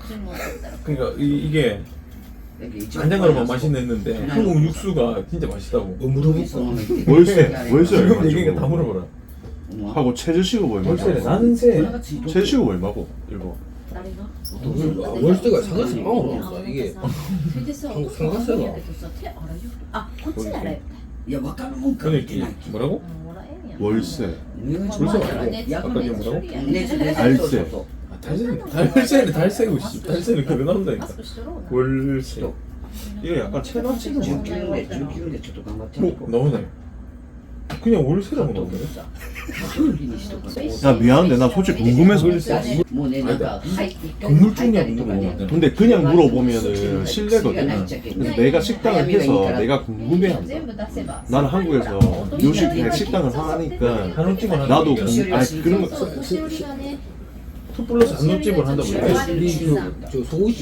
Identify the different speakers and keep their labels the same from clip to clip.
Speaker 1: 그러니까 이게 간장으로만 맛있는데 한국 육수가 진짜 맛있다고.
Speaker 2: 물어보고
Speaker 3: 월세
Speaker 1: 지금 얘기가 다 물어보라.
Speaker 3: 하고 최저시급 얼마?
Speaker 1: 월세는 난세.
Speaker 3: 최저시급 얼마고? 일본.
Speaker 2: 월세가 상가세 빵으로 나온다. 이게 상가세가
Speaker 4: 야, 와카는 뭐
Speaker 1: 그러니까 뭐라고?
Speaker 3: 월세.
Speaker 1: 아까 이게 뭐라고?
Speaker 3: 알세.
Speaker 1: 달세고 씨. 달세는 그래 나온다니까. 월세.
Speaker 3: 이게 약간 체납치는 거 같아.
Speaker 4: 19でちょっと頑張ってるとこ
Speaker 1: 나오네. 그냥 월세라고 나오네.
Speaker 3: 야 미안한데 나 솔직히 궁금해서.
Speaker 4: もうねなんか入って一回
Speaker 1: 건물 중이냐고 물어보면
Speaker 3: 근데 그냥 물어보면은 실례거든. 그래서 내가 식당을 해서 내가 궁금해한다. 나는 한국에서 요식 그냥 식당을 하니까
Speaker 1: 한우집을
Speaker 3: 나도
Speaker 1: 하는
Speaker 3: 그런 거.
Speaker 1: 투플러스 한우집을 한다고 그래.
Speaker 2: 저 소고기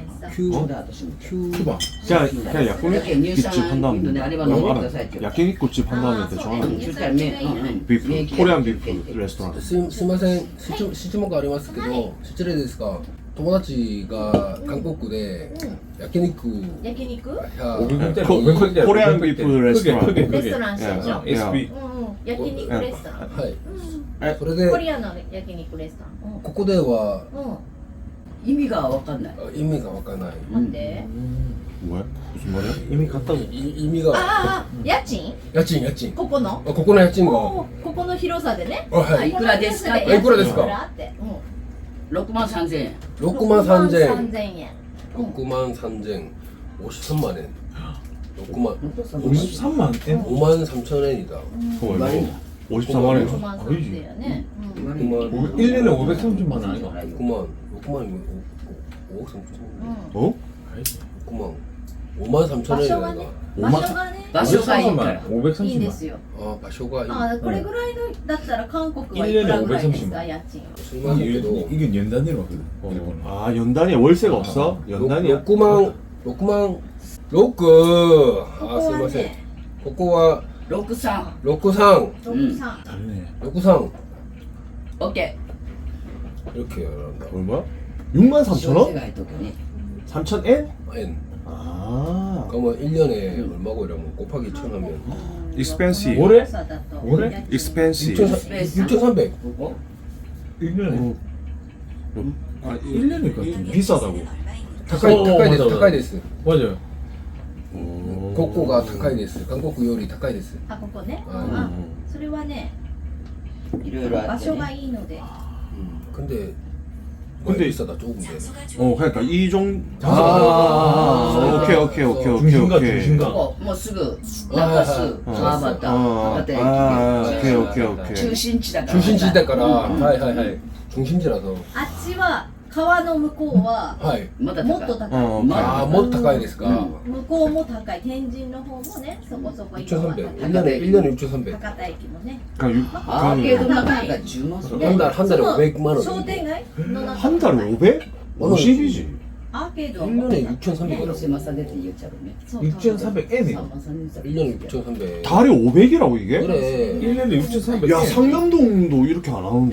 Speaker 1: 큐바.
Speaker 3: 그냥 야끼니쿠집 한다면 알아. 야끼니쿠집 한다면 대충 알아. 비프 코리안 비프 레스토랑.
Speaker 2: すいません質問がありますけど失礼ですが友達が韓国で焼肉
Speaker 5: 焼肉
Speaker 1: 500원짜리
Speaker 3: 코리안 비프 레스토랑.
Speaker 1: 크게
Speaker 5: レストランしてんじゃん
Speaker 1: SB
Speaker 5: 焼肉レストラン
Speaker 2: はいそれ
Speaker 5: コ
Speaker 2: で
Speaker 5: リアの焼肉レストラン
Speaker 2: ここでは
Speaker 4: 意味がわかんない
Speaker 2: 意味がわからない
Speaker 5: なんで
Speaker 3: 뭐야? 무슨 말이야?
Speaker 1: 이미 갔다고.
Speaker 2: 意味が
Speaker 5: 家賃
Speaker 2: 家賃
Speaker 5: ここの
Speaker 2: ここの家賃が
Speaker 5: ここの広さでね
Speaker 2: はい
Speaker 4: いくらですか
Speaker 2: いくらですか
Speaker 4: 6万3000円
Speaker 2: 6万3000円
Speaker 5: 3000円
Speaker 2: 6万3000 53만 엔 6만
Speaker 1: 53만 엔?
Speaker 2: 5만 3천 엔이다
Speaker 3: 그거 얼마? 53만 원.
Speaker 5: 5万3000円ね
Speaker 2: 6만
Speaker 1: 1년에 530만 원 아니가?
Speaker 2: 6만 5억 3천
Speaker 3: 어?
Speaker 2: 6만 5만 3천
Speaker 5: 場所が
Speaker 2: 엔이다
Speaker 5: ね場所がね
Speaker 4: 場所がいいから
Speaker 1: 530만
Speaker 5: いいんですよ
Speaker 2: 아場所がいい
Speaker 5: これぐらいのだったら韓国はいくらぐらいですか家賃
Speaker 2: 술마시게도
Speaker 1: 이게 연단위로 하거든. 일본은.
Speaker 3: 아 연단위에 월세가 없어? 연단위야?
Speaker 2: 6만 6아すいませんここは
Speaker 4: 63
Speaker 2: 63
Speaker 5: 63
Speaker 1: 다르네.
Speaker 2: 63
Speaker 4: OK
Speaker 2: 이렇게 한다
Speaker 3: 얼마야? 6만 3천 원?
Speaker 4: がいとけね
Speaker 3: 3천 엔?
Speaker 2: 엔
Speaker 3: 아
Speaker 2: 그러면 1년에 얼마고 이러면 곱하기 1000 하면
Speaker 3: 익스펜시
Speaker 1: 뭐래?
Speaker 5: だと
Speaker 1: 뭐래?
Speaker 3: 익스펜시
Speaker 2: 6,300
Speaker 4: ここ
Speaker 1: 1년에. 아, 1년에 같은데.
Speaker 3: 비싸다고.
Speaker 2: 高いです
Speaker 1: 맞아,
Speaker 2: 高いです
Speaker 1: 맞아요.
Speaker 2: ここが高いです韓国より高いです
Speaker 5: ここね
Speaker 2: うん
Speaker 5: それはね
Speaker 4: いろいろあ
Speaker 5: 場所
Speaker 4: ってね
Speaker 5: がいいので
Speaker 2: 근데
Speaker 3: 근데
Speaker 2: 비싸다 조금데
Speaker 3: 그러니까 이 정도.
Speaker 1: 아,
Speaker 3: 오케이.
Speaker 1: 중심가.
Speaker 4: ここもうすぐ中洲川端博多駅
Speaker 3: 오케이.
Speaker 4: 中心地だから
Speaker 2: 중심지だから 하이 중심지라서
Speaker 5: あっちは川の向こうは
Speaker 2: 하이
Speaker 4: まだ
Speaker 5: もっと
Speaker 4: 高い
Speaker 5: 高い
Speaker 2: 아, 뭐高いですか
Speaker 5: 向こうも高い天神の方もねそこそこ今は
Speaker 2: 6,300
Speaker 5: 高い
Speaker 2: 1년에 6,300
Speaker 5: 博多駅もね
Speaker 4: アーケードの中が10万する
Speaker 2: 한 달에 500만 원
Speaker 5: 商店街の中
Speaker 3: 한 달에 500? 50이지.
Speaker 5: アーケードは
Speaker 2: 1년에
Speaker 4: 広
Speaker 2: 6,300원
Speaker 4: 島さんでって言っちゃうね
Speaker 1: 6,400엔이야.
Speaker 2: 1년에 6,300
Speaker 3: 달에 500이라고 이게?
Speaker 2: 그래
Speaker 1: 1년에 6,400엔.
Speaker 3: 야 상남동도 이렇게 안 하는데.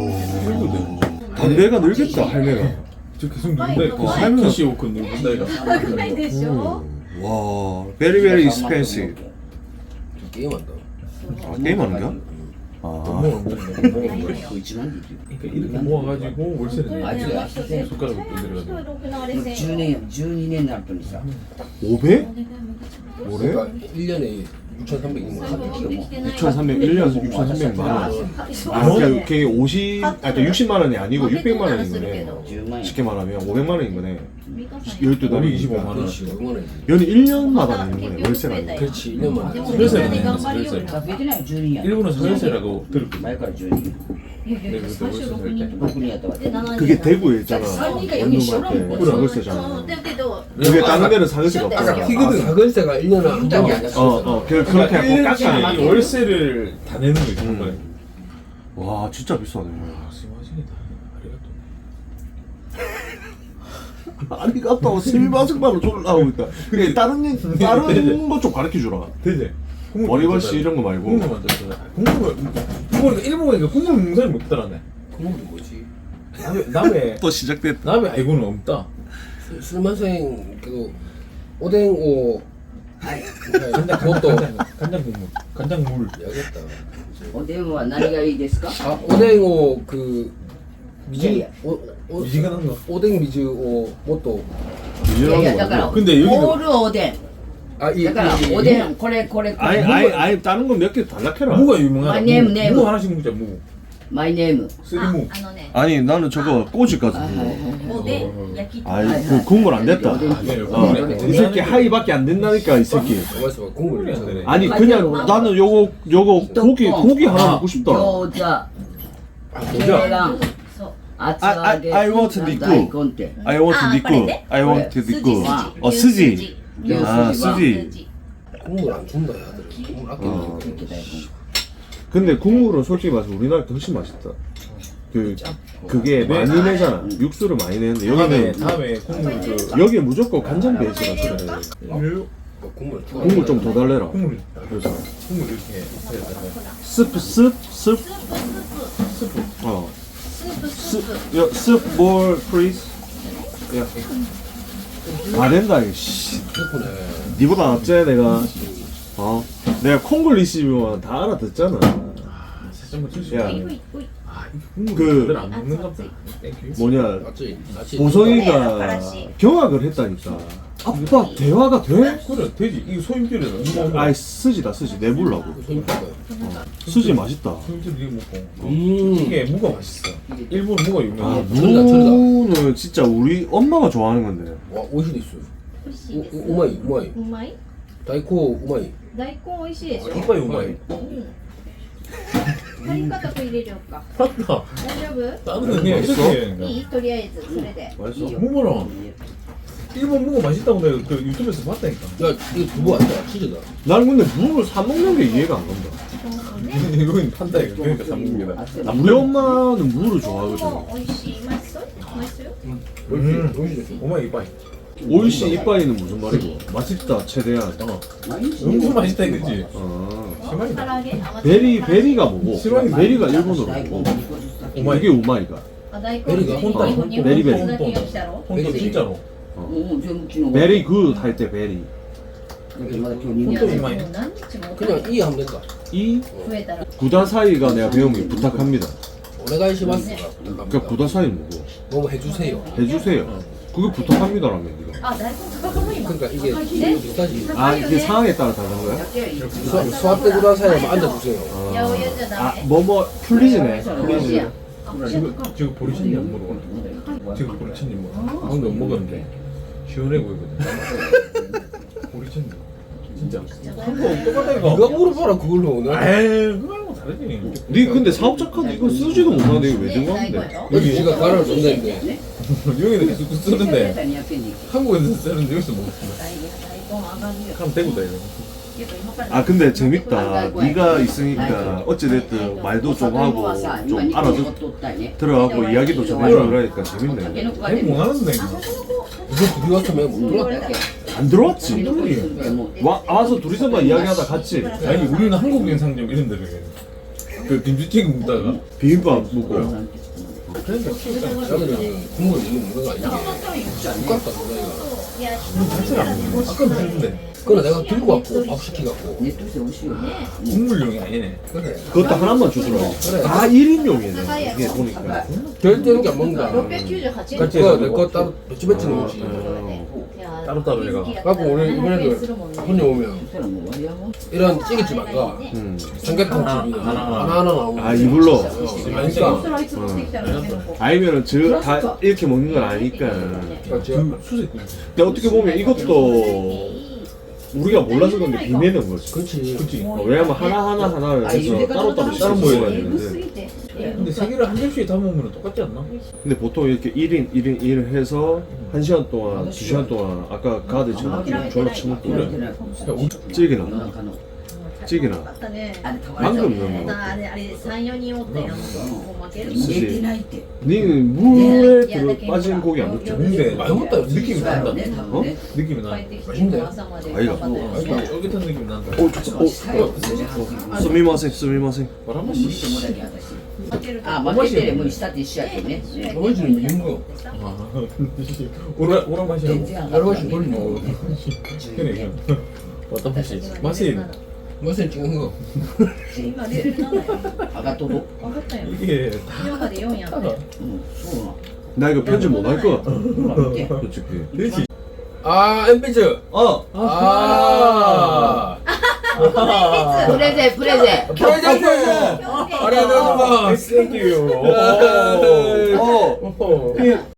Speaker 3: 와. 담배가 늘겠다 할매가.
Speaker 1: 저 계속 누군다. 그
Speaker 3: 살면서-
Speaker 1: 키시오크 누군다 이거.
Speaker 5: 高いでしょ
Speaker 3: 와. Very very expensive.
Speaker 2: 저 게임한다
Speaker 3: 아 게임하는 거야? 아.
Speaker 1: 뭐,
Speaker 4: 1万でいく
Speaker 1: 그러니까 이렇게 모아가지고 월세를
Speaker 4: 아주
Speaker 1: 내야
Speaker 4: 아주
Speaker 1: 손가락을 건드려가지고.
Speaker 4: 10年12年になるとにさ
Speaker 3: 500? 뭐래?
Speaker 2: 그러니까 1년에 6,300인 거야
Speaker 3: 6,300 1년 6,300만 원. 아, 그러니까 그게 50, 아, 그러니까 60만 원이 아니고 600만 원인 거네.
Speaker 4: 10万円
Speaker 3: 쉽게 말하면 500만 원인 거네. 12달이
Speaker 1: 우리 25만 원.
Speaker 2: 그렇지 5만 원이지
Speaker 3: 얘는 1년마다 내는 거네, 월세가.
Speaker 2: 그렇지 1년만
Speaker 5: 음.
Speaker 1: 월세를 내는 월세.
Speaker 4: 増えてないよ12や
Speaker 1: 일본은 상월세라고 들었거든.
Speaker 4: 前から12
Speaker 1: 네, 그때 월세 살 때.
Speaker 4: 6人やったわけ
Speaker 3: 그게 대구에 있잖아.
Speaker 4: 산리가 여기
Speaker 3: 원룸할 때
Speaker 4: 시원한
Speaker 3: 상월세잖아.
Speaker 5: だけど
Speaker 3: 그게 다른 데는 상월세가
Speaker 5: 아까
Speaker 3: 없잖아.
Speaker 2: 희그든 사글세가 1년에 한
Speaker 4: 분당이
Speaker 2: 번.
Speaker 4: 아니야
Speaker 3: 그렇게 하고
Speaker 1: 일일이
Speaker 3: 깎아내.
Speaker 1: 월세를 다 내는 거지. 정말.
Speaker 3: 와, 진짜 비싸네.
Speaker 1: 아, 스마싱이다. 아리가또.
Speaker 3: 아리가또 스미마셍마로 졸라고 있다. 그게 다른 거 좀 가르쳐 주라.
Speaker 1: 되지?
Speaker 3: 머리버시 이런 거 말고.
Speaker 1: 국물 만들었잖아. 국물을 일본 가니까 국물 농사를 못 따라네.
Speaker 2: 그건 뭐지?
Speaker 1: 남의
Speaker 3: 또 시작됐다.
Speaker 1: 남의 알고는 없다.
Speaker 2: 술만생 그 오뎅오
Speaker 1: 간장
Speaker 2: 그것도
Speaker 1: 간장 국물, 간장물.
Speaker 2: 야겠다.
Speaker 4: おでんは何がいいですか
Speaker 2: 아 오뎅오 그 미지
Speaker 1: 미지가 난 거.
Speaker 2: 오뎅 미즈오 뭐또
Speaker 4: いやいやだから
Speaker 1: 근데 여기는
Speaker 4: オールおでん
Speaker 2: 아이
Speaker 4: だからおでんこれこれこ
Speaker 3: 아니
Speaker 4: れ
Speaker 3: 아니 다른 거 몇 개 달라해라.
Speaker 1: 무가 유명하다.
Speaker 4: 아, 네임, 네임.
Speaker 1: 무 하나씩 먹자 무.
Speaker 4: マイネーム
Speaker 1: 쓰리무.
Speaker 5: あのね
Speaker 3: 아니 나는 저거 꼬지까지
Speaker 4: はいはい
Speaker 3: 먹어.
Speaker 5: おでん焼き
Speaker 3: 아이
Speaker 4: 아이,
Speaker 3: 그
Speaker 4: 아이.
Speaker 3: 국물 안 됐다.
Speaker 1: 네,
Speaker 3: 이 새끼 하이밖에 안 된다니까 이 새끼.
Speaker 2: 가만있어 봐 국물이
Speaker 1: 안 되네.
Speaker 3: 아니 그냥 나는 요거 고기 하나 먹고 싶다.
Speaker 4: 餃子
Speaker 1: 아,
Speaker 4: ケ
Speaker 1: 진짜.
Speaker 4: ラン
Speaker 5: そう
Speaker 4: 厚揚げ
Speaker 3: I want 니꾸.
Speaker 4: 大根って
Speaker 3: I want
Speaker 5: 아,
Speaker 3: 니꾸.
Speaker 5: 그래?
Speaker 3: I want
Speaker 5: 스지
Speaker 3: 니꾸.
Speaker 5: 스지
Speaker 3: 스지.
Speaker 5: 스지
Speaker 3: 아,
Speaker 4: 스지.
Speaker 3: 스지.
Speaker 2: 국물 안 준다 야들 국물 아끼는
Speaker 4: 이렇게 다 이거.
Speaker 3: 근데 국물은 솔직히 말해서 우리나라 게 훨씬 맛있다. 그게 많이 내잖아. 육수를 많이 내는데 여기는
Speaker 1: 다음에 국물 그
Speaker 3: 여기 무조건 간장 베이스라 그래.
Speaker 2: 국물
Speaker 3: 국물 좀 더 달래라.
Speaker 1: 국물
Speaker 3: 그래서
Speaker 1: 국물 이렇게 해야
Speaker 3: 스프.
Speaker 5: 스프
Speaker 3: 어.
Speaker 5: 스프 스프
Speaker 3: 야, 스프 more please. 야. 다 된다 이거. 씨.
Speaker 2: 스프네
Speaker 3: 니보다 낫지 내가. 어. 내가 콩글리시면 다 알아듣잖아.
Speaker 1: 살짝만 줄수
Speaker 3: 야.
Speaker 1: 있어.
Speaker 5: 오이 오이
Speaker 1: 아, 이거 국물
Speaker 3: 그-
Speaker 1: 다들 안 먹는가 보다. 땡큐.
Speaker 3: 뭐냐.
Speaker 2: 맞지? 맞지?
Speaker 3: 보성이가 경악을 했다니까. 아빠 대화가 돼?
Speaker 1: 그래 돼지 이거 소임줄이다. 이거 먹어.
Speaker 3: 아이 쓰지다 쓰지 내불라고.
Speaker 2: 손님들
Speaker 3: 쓰지 맛있다.
Speaker 1: 소임줄 이거 먹고. 이게 무가 맛있어. 일본 무가
Speaker 3: 아
Speaker 1: 유명해.
Speaker 3: 무는 진짜 우리 엄마가 좋아하는 건데.
Speaker 2: 와 오이시 있어
Speaker 5: 美味しいです
Speaker 2: 우마이 우마이
Speaker 5: うまい
Speaker 2: 다이코 우마이
Speaker 5: 大根美味しいでしょ
Speaker 1: 이빨이 우마이.
Speaker 5: うんカリカタと入れようか
Speaker 1: 맞다.
Speaker 5: 大丈夫
Speaker 1: 다른 거 그냥 이렇게.
Speaker 5: いいとりあえずそれで
Speaker 3: 맛있어?
Speaker 1: 무거랑 일본 무가 맛있다고 내가 그 유튜브에서 봤다니까.
Speaker 2: 야 이거 두부 아니야 치즈다
Speaker 3: 나는 근데 무를 사 먹는 게 이해가 안 간다.
Speaker 5: そうね
Speaker 1: 이거는 판다 이거. 그러니까 사 먹는 게다.
Speaker 3: 우리 엄마는 무를 좋아하거든.
Speaker 5: 美味しい맛있어 맛있어요?
Speaker 2: 오이시
Speaker 1: 오마이 이빨.
Speaker 3: 오이시 이빠이는 무슨 말이고? 맛있다 최대한.
Speaker 1: 엄청 맛있다 이거지.
Speaker 3: 어.
Speaker 5: 唐揚げあ
Speaker 3: 베리가 뭐고?
Speaker 1: 실화인
Speaker 3: 베리가 일본어로 뭐고?
Speaker 1: 오마이.
Speaker 3: 이게 우마이가.
Speaker 5: あ大根
Speaker 2: 베리가
Speaker 5: 日本
Speaker 1: 혼다,
Speaker 5: 日本
Speaker 3: 베리,
Speaker 5: 日本だけが来たろ
Speaker 1: 혼돈 진짜로.
Speaker 4: もう全部昨日
Speaker 3: 베리 굿 할 때 베리.
Speaker 4: まだ今日2
Speaker 5: いやでも
Speaker 1: 本当にうまい
Speaker 5: 何日も
Speaker 2: 그냥 이 하면 된다
Speaker 3: 이
Speaker 5: 増えたら
Speaker 3: 구다사이가 내가 배우면 부탁합니다.
Speaker 2: 오네가이시마스가
Speaker 3: 그러니까 구다사이 뭐고?
Speaker 2: 너무 해주세요
Speaker 3: 해주세요. 그게 부탁합니다라며 네가.
Speaker 5: あ大根高かも今
Speaker 2: 그러니까 이게
Speaker 5: 네?
Speaker 2: 비슷하지
Speaker 3: 아 이게 상황에 따라 다른 거야?
Speaker 2: 수압대 구다사이만 앉아주세요
Speaker 5: 八百屋じゃダ
Speaker 3: 아
Speaker 5: メ
Speaker 3: 뭐뭐 플리즈네.
Speaker 4: ロシア
Speaker 1: 지금 보리친님 안 먹어봤나? 지금 보리친님 먹어. 방금 먹었는데 시원해 보이거든. 보리친님 진짜. 한국 똑같다 이거.
Speaker 2: 네가 물어봐라 그걸로 오늘
Speaker 1: 에이 그거하고 다르지.
Speaker 3: 니 근데 사업자 카드 이거 쓰지도 못하는데 이거 왜 들고
Speaker 5: 大根
Speaker 3: 왔는데?
Speaker 5: よ
Speaker 2: 여기 지가 가라를 줬는데
Speaker 1: 여기는 계속 쓰는데
Speaker 4: 200円に
Speaker 1: 한국에서 쓰는데 여기서 못 쓰네.
Speaker 5: 大根上がるよ
Speaker 1: 그럼 대구다 이거.
Speaker 5: けど今から
Speaker 3: 아 근데 재밌다. 네가 있으니까 어찌됐든 말도 좀 하고 좀 알아듣
Speaker 4: 取ったね
Speaker 3: 들어가고 이야기도 좀 해주고 그러니까 재밌네.
Speaker 1: 대구 못 하는데 이거.
Speaker 2: 이거 둘이 왔으면 못 들어왔다
Speaker 3: 안 들어왔지.
Speaker 4: も
Speaker 3: 와서 둘이서만 이야기하다 갔지.
Speaker 1: 아니 우리는 한국인 상점 이런 데를 해. 그 김치찌개 먹다가
Speaker 3: 비빔밥 먹고.
Speaker 1: 그러니까
Speaker 2: 야들은 국물 이거 먹는 거 아니지 똑같다 그거가
Speaker 5: いや
Speaker 1: 자체를 안 먹어. 아까 먹는데
Speaker 2: 그래 내가 들고 왔고 밥 시키갖고
Speaker 4: ネットして美味しいよね
Speaker 1: 국물용이 아니네.
Speaker 2: 그래
Speaker 3: 그것도 하나만 주더라.
Speaker 2: 그래
Speaker 3: 아 1인용이네. 이게 보니까.
Speaker 2: 결제는 게안 먹는다
Speaker 5: 698円
Speaker 1: 같이
Speaker 2: 그거
Speaker 1: 해가지고.
Speaker 2: 내거 따로 배치배치
Speaker 3: 아,
Speaker 2: 먹지
Speaker 1: 따로따로 내가.
Speaker 2: 갖고 오늘 이번에도 손님 오면
Speaker 4: そしたらもう終わりやもん
Speaker 2: 이런 찌개집 안 가. 삼계탕 집이 하나하나 나오는
Speaker 3: 아 이불로.
Speaker 2: 그러니까
Speaker 3: 아니면은 다 이렇게 먹는 건 아니니까.
Speaker 1: 그 수색.
Speaker 3: 근데 어떻게 보면 이것도 우리가 몰라서 그런데 비매는 거지.
Speaker 2: 그렇지
Speaker 1: 그치.
Speaker 3: 왜냐면 하나를 해서 따로따로
Speaker 1: 따로
Speaker 3: 먹어야
Speaker 1: 먹어야
Speaker 3: 되는데.
Speaker 1: 근데 세 개를 한 접시에 담으면 똑같지 않나?
Speaker 3: 근데 보통 이렇게 1인 해서 1시간 동안, 2시간 동안 아까 가드처럼 좀 졸라 처먹고 그래. 찌개나.
Speaker 4: 夜中の
Speaker 3: 찌개나.
Speaker 5: あったね
Speaker 3: 방금 넣은 거.
Speaker 5: あれ3、4人おったよもう負ける
Speaker 3: す
Speaker 4: 寝てないって
Speaker 3: 니는 물에 빠진 고기 안 먹죠?
Speaker 1: 근데
Speaker 2: 많이 먹다
Speaker 1: 느낌이
Speaker 4: だ
Speaker 1: 난다.
Speaker 4: よね多
Speaker 3: 어?
Speaker 4: 分ね
Speaker 1: 느낌이 나.
Speaker 5: 帰ってきて朝まで頑張ったよね
Speaker 1: 쫄깃한 느낌이 난다.
Speaker 3: 스미마생.
Speaker 4: 바람
Speaker 3: スミマセン。
Speaker 1: 바람맛이
Speaker 4: 見てもらけ私あ、負けてでも下って一緒やけどね。
Speaker 2: 할아버지는 미운 거.
Speaker 1: 아, 오라 맛이야.
Speaker 4: 全然上がらない
Speaker 2: 할아버지 돌리는 거.
Speaker 1: 그래 그냥. 어떤 맛이? 맛이
Speaker 2: 맛은 찍은 거.
Speaker 5: 今レベル7や
Speaker 4: 上がっとる。
Speaker 5: 分かったよ
Speaker 1: 이게
Speaker 5: 今まで4やって
Speaker 4: うん、そうなの。
Speaker 3: 나 이거 편집 못 할 것 같아.
Speaker 4: ほら見て。
Speaker 3: 솔직히.
Speaker 1: 돼지.
Speaker 2: 아, 엠비즈.
Speaker 3: 어.
Speaker 2: 아.
Speaker 4: プレゼンプレゼン。
Speaker 2: 프레젠트.
Speaker 1: 아리아노. Thank you.
Speaker 3: 어.
Speaker 1: 오.